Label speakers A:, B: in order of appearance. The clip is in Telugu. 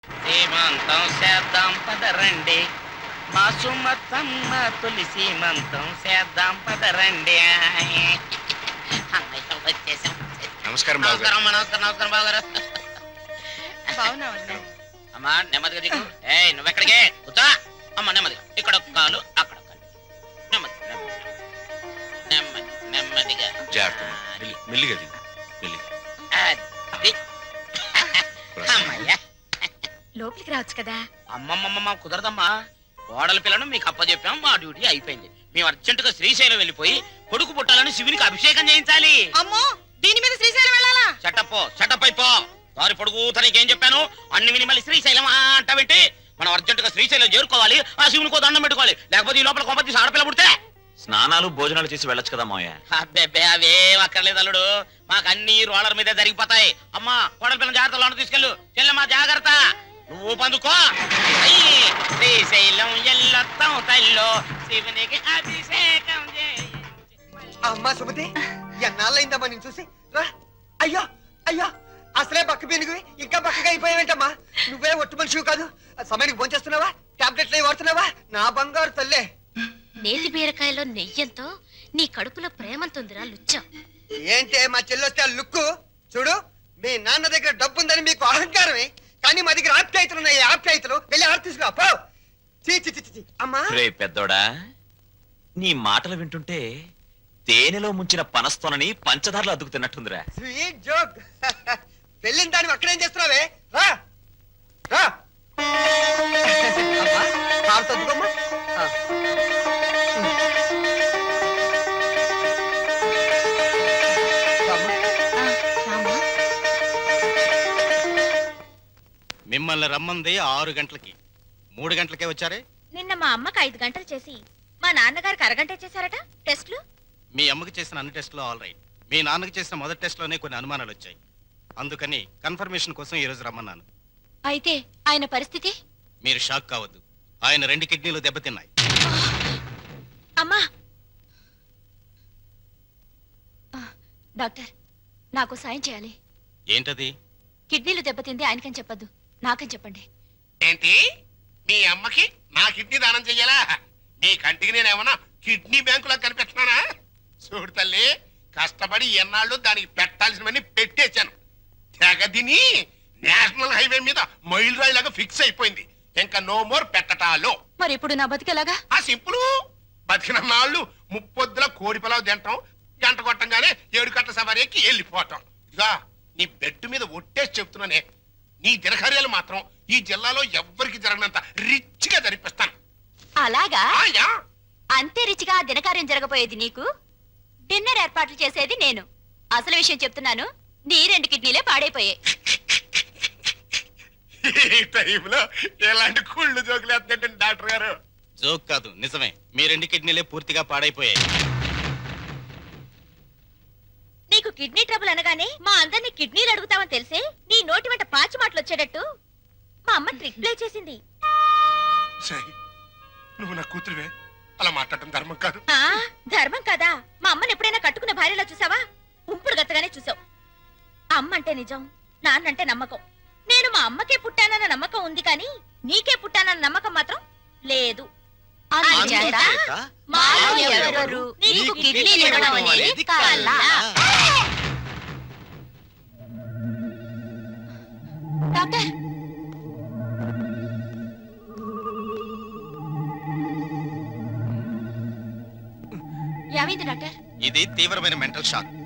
A: సీమంతం చేద్దాం పదరండి, మా సుమతమ్మ తొలి సీమంతం చేద్దాం పదరండి. అన్నయ్య వచ్చేసాం.
B: నమస్కారం బాబు గారు.
A: నమస్కారం నమస్కారం బాబు గారు. అమ్మా నెమ్మదిగా దిగు. నువ్వెక్కడికే కూర్చో. అమ్మ నెమ్మదిగా, ఇక్కడ ఒక కాలు అక్కడ ఒక కాలు. నెమ్మది నెమ్మది నెమ్మదిగా
B: జాగ్రత్త. మెల్లిగా దిగు, మెల్లిగా.
A: అది. అమ్మయ్యా.
C: లోపలికి రావచ్చు కదా.
A: అమ్మమ్మమ్మ కుదరదమ్మా. కోడల పిల్లను మీకు అప్పచెప్పాం, మా డ్యూటీ అయిపోయింది. మేము అర్జెంటుగా శ్రీశైలం వెళ్ళిపోయి కొడుకు పుట్టాలని శివునికి అభిషేకం చేయించాలి.
C: అమ్మో, దీని మీద శ్రీశైలం వెళ్ళాలా?
A: షటప్ అయిపో. దారి పొడుగు తనకేం చెప్పాను అన్ని విని మళ్ళీ శ్రీశైలం అంటావేంటి? మనం అర్జెంటుగా శ్రీశైలం చేరుకోవాలి, ఆ శివునికో దండం పెట్టుకోవాలి. లేకపోతే ఈ లోపల కొంప తీసి ఆడపిల్ల పుడితే
B: స్నానాలు భోజనాలు చేసి వెళ్ళొచ్చు కదా మావయ్య.
A: అబ్బే అవేం అక్కర్లేదు అల్లుడు, మాకు అన్ని రోలర్ మీదే జరిగిపోతాయి. అమ్మా కోడల పిల్లల జాగ్రత్త, లోన తీసుకెళ్ళు. చెల్లెమ్మా జాగ్రత్త, నువ్వు పందుకో. శ్రీశైలం ఎల్లొత్తం తల్లో శివునికి అభిషేకం చేయి.
D: అమ్మా సుమతి, ఎన్నాళ్ళైందమ్మా నేను చూసి. రా. అయ్యో అయ్యో, అసలే బక్క పీనుగువి ఇంకా బక్కగా అయిపోయావేంటమ్మా? నువ్వే ఒట్టు మనిషివి కాదు. సమయానికి భోంచేస్తున్నావా? టాబ్లెట్లు అవి వాడుతున్నావా? నా బంగారు తల్లే.
C: నేతి బీరకాయలో నెయ్యంతో నీ కడుపులో ప్రేమంతుందిరా లుచ్చం.
D: ఏంటే మా చెల్లొస్తే ఆ లుక్కు చూడు. మీ నాన్న దగ్గర డబ్బుందని మీకు అహంకారమే, కానీ మా దగ్గర ఆప్యాయతలు ఉన్నాయి. ఆప్యాయతలు వెళ్ళి ఆడ తీసుకురా పో. చీ అమ్మా.
B: రే పెద్దోడా, నీ మాటలు వింటుంటే తేనెలో ముంచిన పనస్తోనని పంచదారలు అద్దుకు తిన్నట్టుందిరా.
D: Sweet joke. వెళ్ళిన దాన్ని అక్కడేం చేస్తున్నావే? రా రా. అమ్మా, కారు తద్దుకోమ్మా.
E: మిమ్మల్ని రమ్మంది 6 గంటలకి, 3 గంటలకే వచ్చారే.
C: నిన్న మా అమ్మకి 5 గంటలు చేసి మా నాన్నగారికి అరగంట చేశారట టెస్ట్లు.
E: మీ అమ్మకి చేసిన అన్ని టెస్టులు ఆల్ రైట్. మీ నాన్నకి చేసిన మొదటి టెస్ట్లోనే కొన్ని అనుమానాలు వచ్చాయి. అందుకని కన్ఫర్మేషన్ కోసం ఈ రోజు రమ్మన్నాను.
C: అయితే ఆయన పరిస్థితి?
E: మీరు షాక్ కావద్దు, ఆయన 2 కిడ్నీలు దెబ్బతిన్నాయి.
C: అమ్మా డాక్టర్, నాకు సాయం చేయాలి.
E: ఏంటది?
C: కిడ్నీలు దెబ్బతింది ఆయనకని చెప్పద్దు, నాకని చెప్పండి.
F: ఏంటి, మీ అమ్మకి నా కిడ్నీ దానం చెయ్యాలా? నీ కంటికి నేనేమన్నా కిడ్నీ బ్యాంకులా కనిపెట్టినానా? చూడు తల్లి, కష్టపడి ఎన్నాళ్ళు దానికి పెట్టాల్సినవన్నీ పెట్టేశాను. తెగదిని నేషనల్ హైవే మీద మైల్ రాయిలాగా ఫిక్స్ అయిపోయింది. ఇంకా నో మోర్ పెట్టటాలో.
C: మరి ఇప్పుడు నా బతికేలాగా?
F: ఆ సింపుల్. బతికిన నాళ్ళు ముప్పొద్దుల కోడి పొలావు తింటాం, గంట కొట్టంగానే 7 గంటల సవారీ ఎక్కి వెళ్ళిపోవటం. ఇక నీ బెడ్ మీద ఒట్టేసి చెప్తున్నానే, నీ దినకార్యాలు మాత్రం ఈ జిల్లాలో ఎవ్వరికి జరగనంత రిచ్ గా జరిపిస్తాను.
C: అలాగా?
F: ఆయా.
C: అంతే రిచిగా దినకార్యం జరగబోయేది నీకు, డిన్నర్ ఏర్పాట్లు చేసేది నేను. అసలు విషయం చెప్తున్నాను, నీ 2 కిడ్నీలే పాడైపోయాయి.
F: ఈ టైంలో ఎలాంటి కుళ్ళు జోకులు వేస్తుంటే డాక్టర్ గారు.
E: జోక్ కాదు, నిజమే. మీ 2 కిడ్నీలే పూర్తిగా పాడైపోయాయి.
C: నీకు కిడ్నీ ట్రబుల్ అనగానే మా అందరినీ కిడ్నీలు అడుగుతామని తెలిసే నీ నోటి వెంట పాచి మాటలు వచ్చేటట్టు మా అమ్మ ట్రిక్ ప్లే చేసింది.
F: సై, నువ్వు నా కూతురువే, అలా మాట్లాడటం ధర్మం కాదు.
C: ధర్మం కదా? మా అమ్మని ఎప్పుడైనా కట్టుకున్న భార్యలా చూసావా? ఉంపుడు గత్తగానే చూసావు. అమ్మ అంటే నిజం, నాన్నంటే నమ్మకం. నేను మా అమ్మకే పుట్టానన్న నమ్మకం ఉంది, కానీ నీకే పుట్టానన్న నమ్మకం మాత్రం లేదు. నీకు కిడ్నీలు ఇవ్వడం అనేది కల. డాక్టర్, ఏమైంది డాక్టర్?
E: ఇది తీవ్రమైన మెంటల్ షాక్.